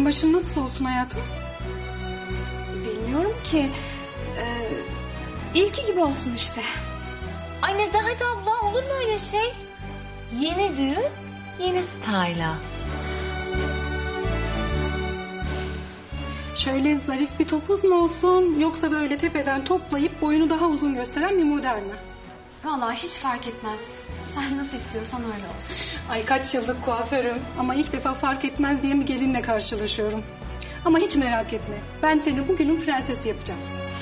başın nasıl olsun hayatım? Bilmiyorum ki. İlki gibi olsun işte. Ay Nezahat abla, olur mu öyle şey? Yeni düğün, yeni style'a. Şöyle zarif bir topuz mu olsun yoksa böyle tepeden toplayıp boyunu daha uzun gösteren bir model mi? Vallahi hiç fark etmez. Sen nasıl istiyorsan öyle olsun. Ay kaç yıllık kuaförüm ama ilk defa fark etmez diye bir gelinle karşılaşıyorum. Ama hiç merak etme, ben seni bugünün prensesi yapacağım.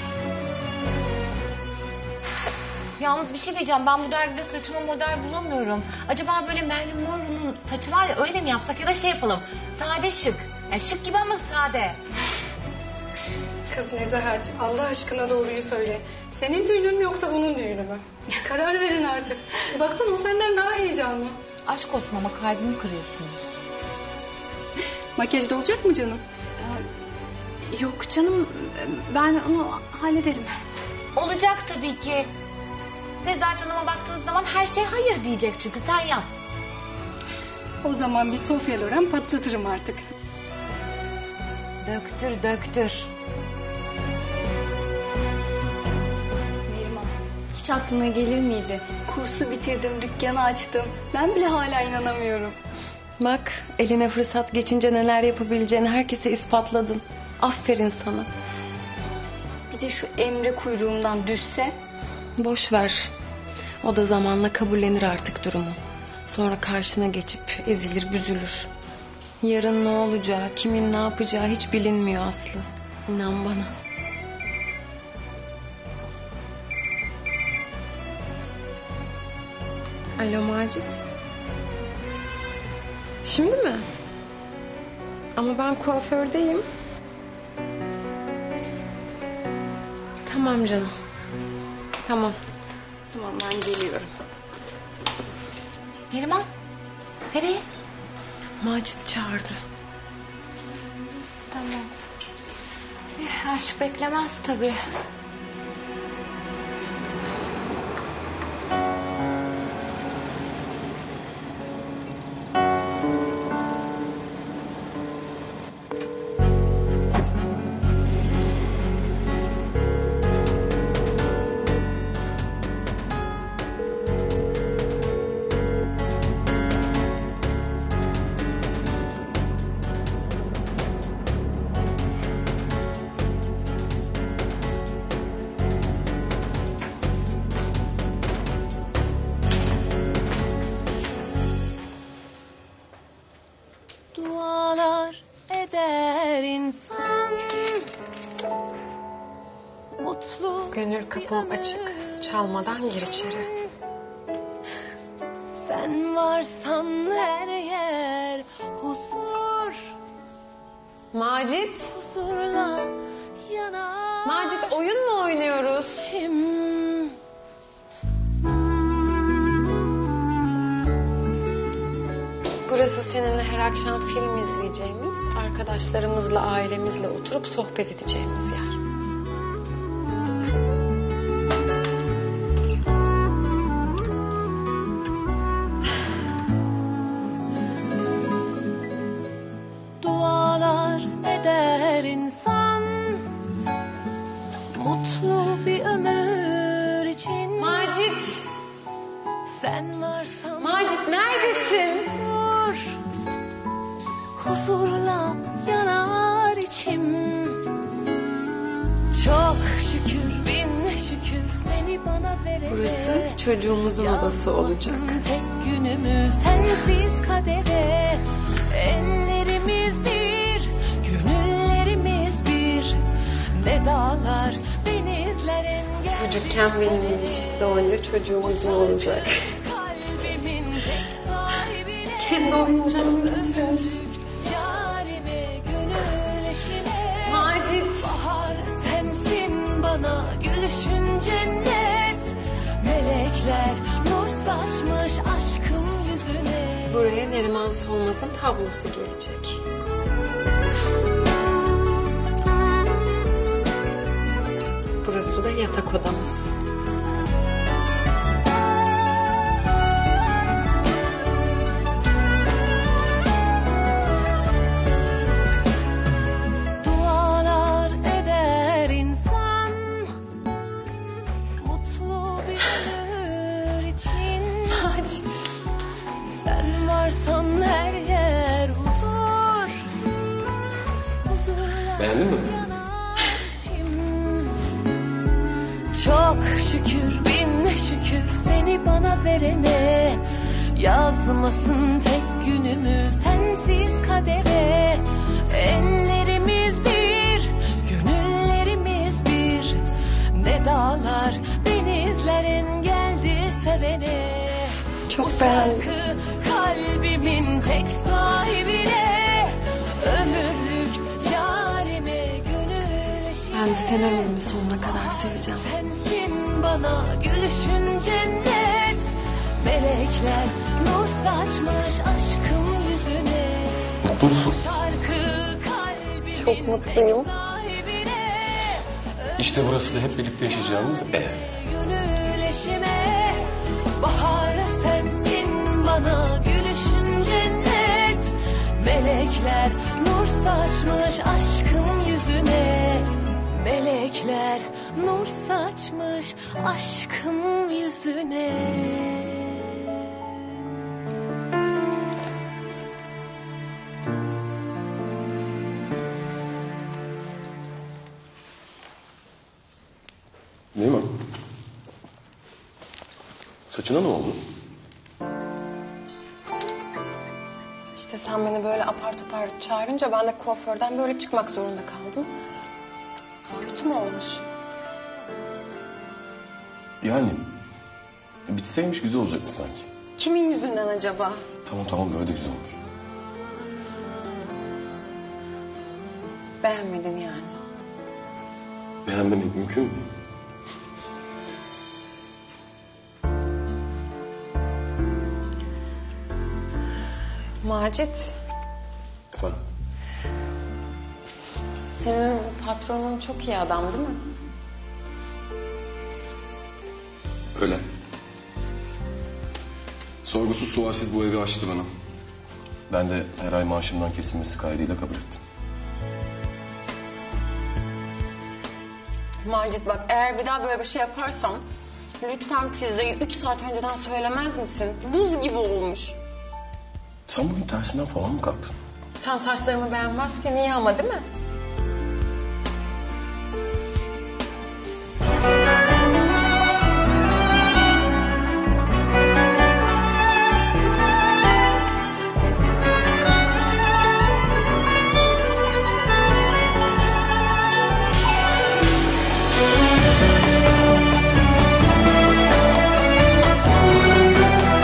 Yalnız bir şey diyeceğim, ben bu dergide saçıma model bulamıyorum. Acaba böyle Marilyn Monroe'nun saçı var ya, öyle mi yapsak ya da şey yapalım. Sade şık. Yani şık gibi ama sade. Kız Nezahat, Allah aşkına doğruyu söyle. Senin düğünün mü yoksa onun düğünü mü? Karar verin artık. Baksana o senden daha heyecanlı. Aşk olsun ama kalbimi kırıyorsunuz. Makyajda olacak mı canım? Yok canım, ben onu hallederim. Olacak tabii ki. Nezahat Hanım'a baktığınız zaman her şey hayır diyecek çünkü sen yap. O zaman bir Sofya Loren patlatırım artık. Döktür döktür. Neriman, hiç aklına gelir miydi? Kursu bitirdim, dükkanı açtım. Ben bile hala inanamıyorum. Bak, eline fırsat geçince neler yapabileceğini herkese ispatladın. Aferin sana. Bir de şu Emre kuyruğumdan düşse. Boş ver. O da zamanla kabullenir artık durumu. Sonra karşına geçip ezilir, büzülür. Yarın ne olacağı, kimin ne yapacağı hiç bilinmiyor Aslı. İnan bana. Alo Macit. Şimdi mi? Ama ben kuafördeyim. Tamam canım. Tamam. Tamam ben geliyorum. Neriman, nereye? Macit çağırdı. Tamam. Aşk beklemez tabii. Dualar eder insan, mutlu. Gönül kapım açık. Çalmadan gir içeri. Sen varsan her yer huzur, Macit. huzurla yanar Macit oyun mu oynuyoruz? içim. Burası seninle her akşam film izleyeceğimiz, arkadaşlarımızla, ailemizle oturup sohbet edeceğimiz yer. Dualar eder insan, mutlu bir ömür için. Macit! Sen varsan Macit neredesin? huzur, huzurla yanar içim. Çok şükür bin şükür seni bana verene. Burası çocuğumuzun odası olacak. Yazmasın tek günümü sensiz kadere. Ellerimiz bir, gönüllerimiz bir. Ne dağlar, denizler engel. Çocukken benimmiş, doğunca çocuğumuzun olacak. Kalbimin tek sahibine. Kendi oyuncağını getirmiş. Yarime, gönül eşime. Macit! Bahar sensin bana gülüşün cennet. Melekler nur saçmış aşkım yüzüne. Buraya Neriman Solmaz'ın tablosu gelecek. Burası da yatak odamız. Beğendin mi? Çok şükür bin şükür seni bana verene. Yazmasın tek günümü sensiz kadere. Ellerimiz bir, gönüllerimiz bir. Ne dağlar denizler engeldir sevene. Çok Bu beğendim. şarkı kalbimin tek sahibine. Ömürlük yarime gönül eşine. Ben de seni ömrümün sonuna kadar seveceğim. Sensin bana gülüşün cennet. Melekler nur saçmış aşkım yüzüne. Mutlu musun? Şarkı kalbimin Çok mutluyum. tek sahibine. İşte burası da hep birlikte yaşayacağımız ev. Gönül eşime. Bahar sensin bana gülüşün cennet. Melekler nur saçmış aşkım yüzüne. Melekler nur saçmış aşkım yüzüne. Neyman? Saçına ne oldu? İşte sen beni böyle apar topar çağırınca ben de kuaförden böyle çıkmak zorunda kaldım. Kötü mü olmuş? Yani bitseymiş güzel olacakmış sanki. Kimin yüzünden acaba? Tamam böyle de güzel olmuş. Beğenmedin yani. Beğenmemek mümkün mü? Macit, Efendim? senin bu patronun çok iyi adam değil mi? Öyle. Sorgusuz sualsiz bu evi açtı bana. Ben de her ay maaşımdan kesilmesi kaydıyla kabul ettim. Macit bak, eğer bir daha böyle bir şey yaparsan lütfen pizzayı 3 saat önceden söylemez misin? Buz gibi olmuş. Sen bugün tersinden falan mı kalktın? Sen saçlarımı beğenmezken iyi ama değil mi?